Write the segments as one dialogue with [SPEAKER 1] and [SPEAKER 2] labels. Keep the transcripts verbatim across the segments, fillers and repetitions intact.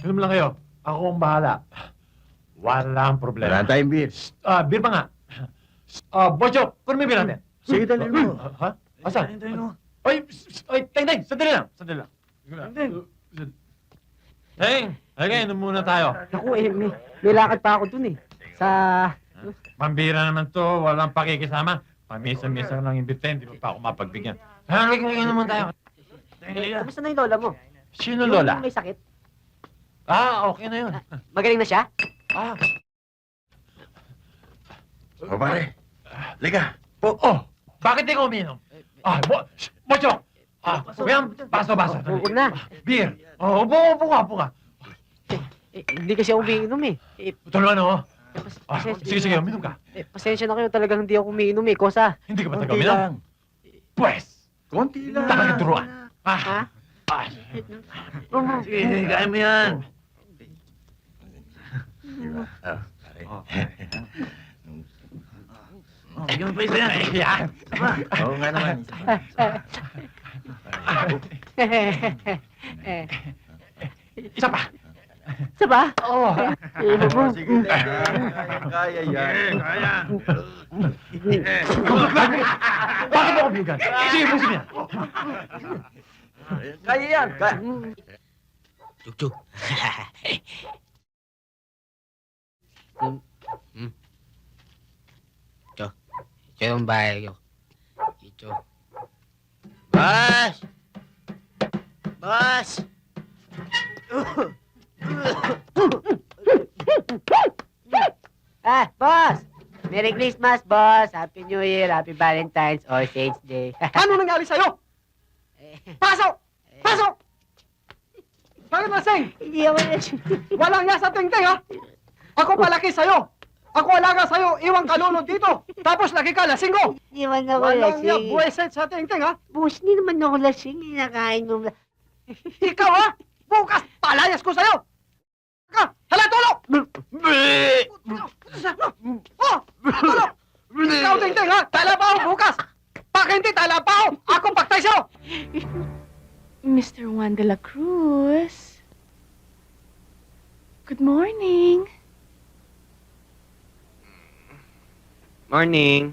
[SPEAKER 1] Film lang kayo. Ako ang bahala. Walang problema.
[SPEAKER 2] Wala tayong beer.
[SPEAKER 1] Ah, beer pa nga. Ah, Bocho, kunin mo yung beer natin.
[SPEAKER 2] Sige, dali mo.
[SPEAKER 1] Ha? Asan? Ay, ay, Teng, Teng, sandali lang. Sandali lang. Teng. Teng, okay, inom muna tayo.
[SPEAKER 3] Naku, eh, may, may lakad pa ako dun eh. Sa...
[SPEAKER 1] Pambira naman to, walang pakikisama. Pamisa-misa lang imbitahin, di mo pa ako mapagbigyan. Halika, halika naman tayo.
[SPEAKER 3] Kamusta na yung lola mo?
[SPEAKER 1] Sino,
[SPEAKER 3] Yung
[SPEAKER 1] Lola?
[SPEAKER 3] may sakit?
[SPEAKER 1] Ah, okay na yun.
[SPEAKER 3] Magaling na siya?
[SPEAKER 1] Ah,
[SPEAKER 2] O pare, liga.
[SPEAKER 1] oh, oh, bakit di ko uminom? Ah, bo, shh, Bocho! Ah, yan, baso, baso.
[SPEAKER 3] Huwag na.
[SPEAKER 1] Beer. Oh, upo, upo ka, upo ka.
[SPEAKER 3] Eh, hindi kasi ako umiinom eh. Eh,
[SPEAKER 1] Tulungan ako.
[SPEAKER 3] pas-
[SPEAKER 1] Ah,
[SPEAKER 3] pasensya-
[SPEAKER 1] sige, sige, uminom ka.
[SPEAKER 3] Eh, pasensya na kayo, talagang hindi ako umiinom eh. Kosa.
[SPEAKER 1] Hindi ka ba taga
[SPEAKER 2] Konti
[SPEAKER 1] uminom?
[SPEAKER 2] lang.
[SPEAKER 1] Pwes,
[SPEAKER 2] Konti lang.
[SPEAKER 1] talaga turuan. Ah,
[SPEAKER 3] Ha?
[SPEAKER 1] ah.
[SPEAKER 2] Sige, kaya mo yan. Diba? Ah, pare. Oh, bigyan mo pa isa yan.
[SPEAKER 1] Yan.
[SPEAKER 2] Oo nga naman.
[SPEAKER 3] eh,
[SPEAKER 1] Isa pa.
[SPEAKER 3] isa ba?
[SPEAKER 1] Oo.
[SPEAKER 3] Eh,
[SPEAKER 2] Oh, sige, liga. Kaya yan. Kaya.
[SPEAKER 1] Bakit mo ko bigan? Sige, pusin niya.
[SPEAKER 2] Kaya yan. Kaya.
[SPEAKER 4] Chuk-chuk. Hmm. Hmm. Ito. Ito yung bahay ko. Ito. Bas! Bas!
[SPEAKER 3] Ah, boss! Merry Christmas, boss! Happy New Year, Happy Valentine's, or Saints Day.
[SPEAKER 5] Ano nangyari sa'yo? Pasok! Pasok! Bakit lasing?
[SPEAKER 3] Hindi ako
[SPEAKER 5] Walang niya sa tingting, ha? Ako palaki sa'yo. Ako alaga sa'yo, iwang kalunod dito. Tapos lagi ka lasing ko.
[SPEAKER 3] Hindi man ako
[SPEAKER 5] Walang niya
[SPEAKER 3] lasing.
[SPEAKER 5] buweset sa tingting, ha?
[SPEAKER 3] Boss, hindi naman ako lasing. Inakain mo.
[SPEAKER 5] Ikaw, ha? Bukas, palayas ko sa'yo. Ka, hala, tulog! Oh, tulog! Ikaw, tingting, ha? Talabaho bukas. Pag hindi talabaho, akong paktay sa'yo.
[SPEAKER 6] Mister Juan de la Cruz. Good morning.
[SPEAKER 4] Morning.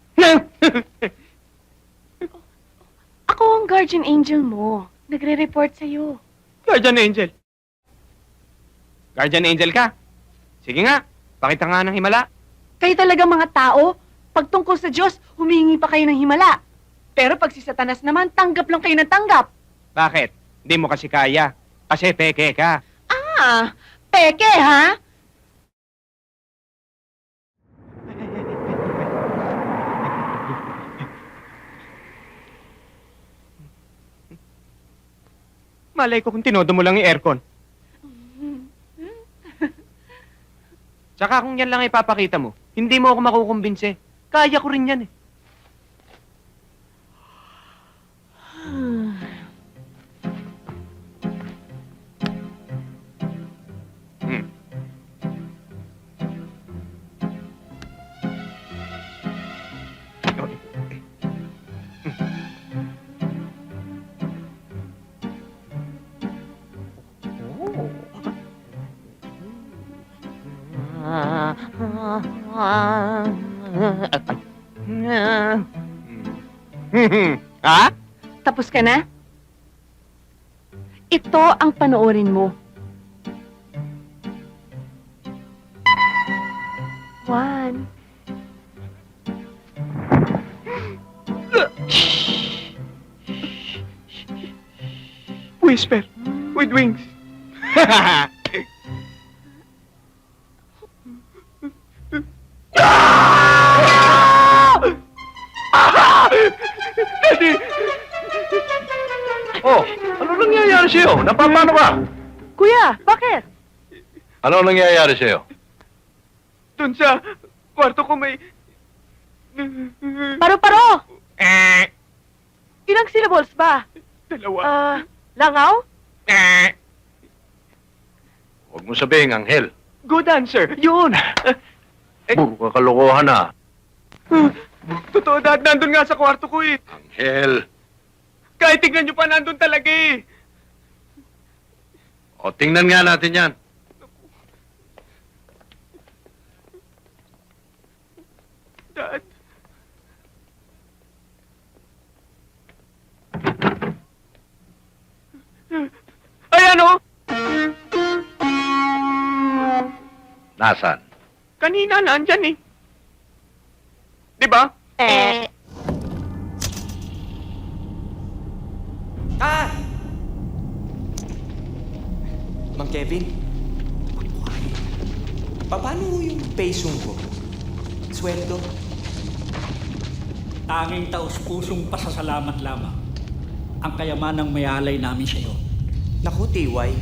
[SPEAKER 6] Ako ang guardian angel mo. Nagre-report sa'yo.
[SPEAKER 5] Guardian Angel. Guardian Angel ka? Sige nga, pakita nga ng himala.
[SPEAKER 6] Kayo talaga mga tao, pag tungkol sa Diyos, humingi pa kayo ng himala. Pero pag si Satanas naman, tanggap lang kayo ng tanggap.
[SPEAKER 5] Bakit? Hindi mo kasi kaya. Kasi peke ka.
[SPEAKER 6] Ah, peke ha?
[SPEAKER 5] Malay ko kung tinodo mo lang yung aircon. Tsaka kung yan lang ipapakita mo, hindi mo ako makukumbinse. Kaya ko rin yan eh. Hmm. Ha?
[SPEAKER 6] Tapos ka na? Ito ang panoorin mo. Juan.
[SPEAKER 5] Whisper with wings. Daddy!
[SPEAKER 2] Oh, ano nangyayari sa'yo? Napapano ka?
[SPEAKER 6] Kuya, bakit?
[SPEAKER 2] Ano nangyayari sa'yo?
[SPEAKER 5] Doon sa kwarto ko may...
[SPEAKER 6] Paro-paro!
[SPEAKER 5] Eh,
[SPEAKER 6] Ilang syllables ba?
[SPEAKER 5] dalawa.
[SPEAKER 6] Ah, langaw?
[SPEAKER 5] Eh,
[SPEAKER 2] Huwag mo sabihin, Anghel.
[SPEAKER 5] good answer. Yun.
[SPEAKER 2] Puro kakalokohan na.
[SPEAKER 5] Totoo, Dad. Nandun nga sa kwarto ko eh.
[SPEAKER 2] Anghel.
[SPEAKER 5] Kahit tignan nyo pa, nandun talaga eh.
[SPEAKER 2] O, tingnan nga natin yan.
[SPEAKER 1] Dad. Ay, ano?
[SPEAKER 2] Nasaan?
[SPEAKER 1] Kanina nandyan eh. Di ba?
[SPEAKER 3] Eh.
[SPEAKER 7] Ah! Mang Kevin, paano yung pesong ko? Sweldo?
[SPEAKER 8] Tanging taus-pusong pasasalamat lamang ang kayamanang mayalay namin sa iyo.
[SPEAKER 7] Naku, T Y.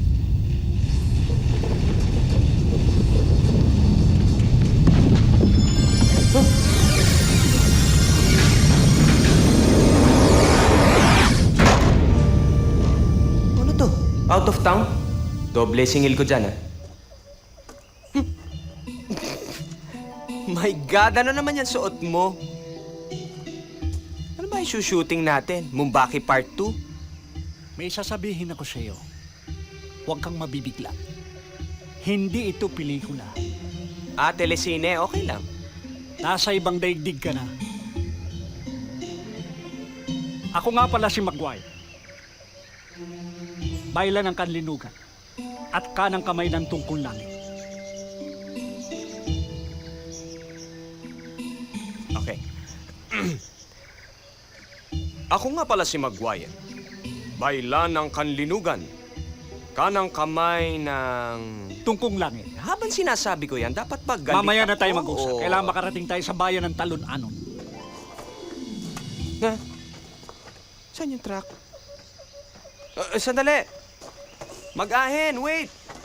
[SPEAKER 7] Ano to? Out of town? Doble singil ko dyan, ah. My God, ano naman yan suot mo? Ano ba yung shooting natin? Mumbaki Part two?
[SPEAKER 8] May sasabihin ako sa iyo. Huwag kang mabibigla. Hindi ito pelikula.
[SPEAKER 7] Ah, telesine, okay lang.
[SPEAKER 8] Nasa ibang daigdig ka na. Ako nga pala si Maguire. Baylan ng kanlinugan at kanang kamay ng tungkol langit.
[SPEAKER 7] Okay. Ako nga pala si Maguire. Baylan ng kanlinugan. Kanang kamay ng...
[SPEAKER 8] Tungkong langit.
[SPEAKER 7] Habang sinasabi ko yan, dapat pag galit
[SPEAKER 8] Mamaya na
[SPEAKER 7] ako,
[SPEAKER 8] tayo mag-usap.
[SPEAKER 7] o-
[SPEAKER 8] Kailangan makarating tayo sa bayan ng Talon-Anon.
[SPEAKER 7] Ha? Saan yung truck? Uh, sandali! Mag-ahen, wait!